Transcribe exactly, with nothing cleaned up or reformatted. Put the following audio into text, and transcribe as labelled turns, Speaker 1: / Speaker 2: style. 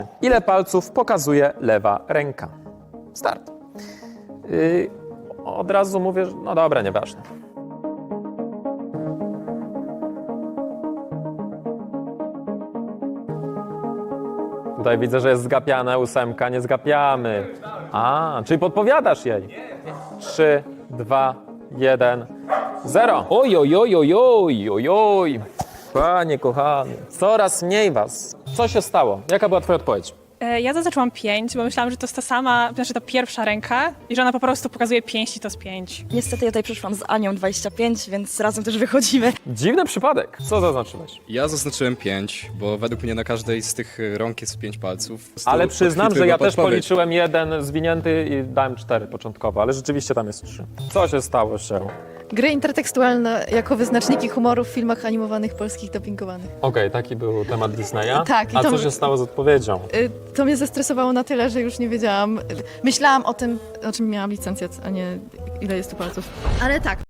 Speaker 1: Ile palców pokazuje lewa ręka? Start. Yy, od razu mówię, że no dobra, nieważne. Tutaj widzę, że jest zgapiane, ósemka, nie zgapiamy. A, czyli podpowiadasz jej. Trzy, dwa, jeden, zero. Oj, oj, oj, oj, oj, oj, oj. Panie kochany, coraz mniej was. Co się stało? Jaka była twoja odpowiedź?
Speaker 2: E, Ja zaznaczyłam pięć, bo myślałam, że to jest ta sama, znaczy ta pierwsza ręka i że ona po prostu pokazuje pięć i to jest pięć.
Speaker 3: Niestety ja tutaj przyszłam z Anią dwadzieścia pięć, więc razem też wychodzimy.
Speaker 1: Dziwny przypadek. Co zaznaczyłeś?
Speaker 4: Ja zaznaczyłem pięć, bo według mnie na każdej z tych rąk jest pięć palców. Po prostu
Speaker 1: Ale przyznam, że ja też
Speaker 4: podpowiedź.
Speaker 1: policzyłem jeden zwinięty i dałem cztery początkowo, ale rzeczywiście tam jest trzy. Co się stało się?
Speaker 5: Gry intertekstualne jako wyznaczniki humoru w filmach animowanych polskich dubbingowanych.
Speaker 1: Okej, taki był temat Disneya.
Speaker 5: Tak, i
Speaker 1: A
Speaker 5: to-
Speaker 1: co się stało z odpowiedzią?
Speaker 5: Y, To mnie zestresowało na tyle, że już nie wiedziałam. Myślałam o tym, o czym miałam licencjat, a nie ile jest tu palców. Ale tak,